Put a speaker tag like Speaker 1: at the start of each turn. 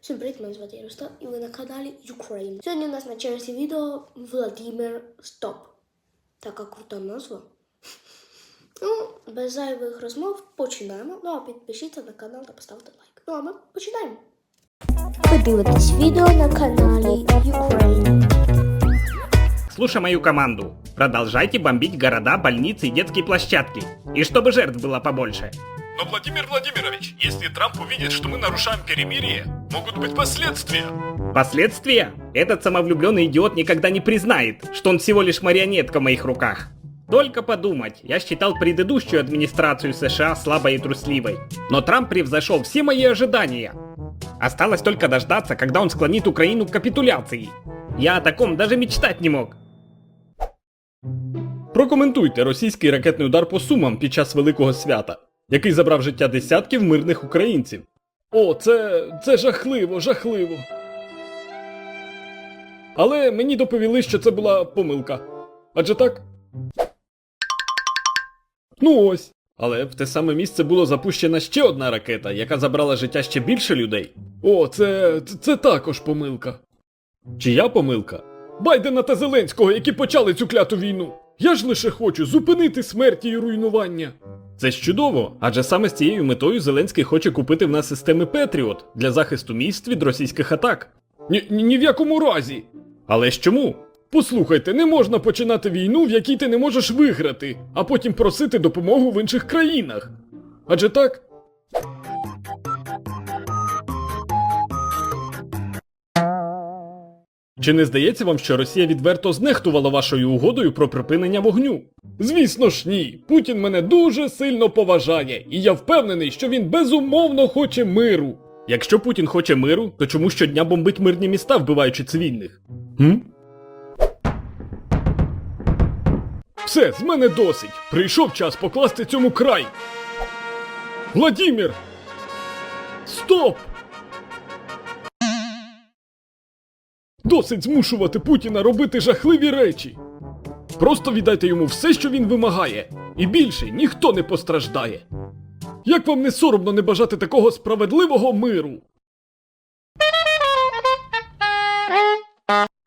Speaker 1: Всім привіт, мене звати Ярослав і ви на каналі Ukraine. Сьогодні у нас на черзі відео Владимир Стоп. Така крута назва. Ну, без зайвих розмов починаємо. Ну а підпишіться на канал та поставте лайк. Ну а ми починаємо. Ви дивитесь відео на каналі Ukraine.
Speaker 2: Слушай мою команду. Продолжайте бомбить города, больницы и детские площадки. И чтобы жертв было побольше.
Speaker 3: Но, Владимир Владимирович, если Трамп увидит, что мы нарушаем перемирие, могут быть последствия.
Speaker 2: Последствия? Этот самовлюбленный идиот никогда не признает, что он всего лишь марионетка в моих руках. Только подумать, я считал предыдущую администрацию США слабой и трусливой. Но Трамп превзошел все мои ожидания. Осталось только дождаться, когда он склонит Украину к капитуляции. Я о таком даже мечтать не мог.
Speaker 4: Прокоментуйте російський ракетний удар по Сумам під час Великого Свята, який забрав життя десятків мирних українців. О, це жахливо, жахливо. Але мені доповіли, що це була помилка. Адже так? Ну ось. Але в те саме місце було запущена ще одна ракета, яка забрала життя ще більше людей. О, це також помилка. Чия помилка? Байдена та Зеленського, які почали цю кляту війну. Я ж лише хочу зупинити смерті і руйнування. Це ж чудово, адже саме з цією метою Зеленський хоче купити в нас системи Петріот для захисту міст від російських атак. Ні в якому разі. Але ж чому? Послухайте, не можна починати війну, в якій ти не можеш виграти, а потім просити допомогу в інших країнах. Адже так? Чи не здається вам, що Росія відверто знехтувала вашою угодою про припинення вогню? Звісно ж ні. Путін мене дуже сильно поважає, і я впевнений, що він безумовно хоче миру. Якщо Путін хоче миру, то чому щодня бомбить мирні міста, вбиваючи цивільних? Все, з мене досить. Прийшов час покласти цьому край. Владимир! Стоп! Досить змушувати Путіна робити жахливі речі. Просто віддайте йому все, що він вимагає, і більше ніхто не постраждає. Як вам не соромно не бажати такого справедливого миру?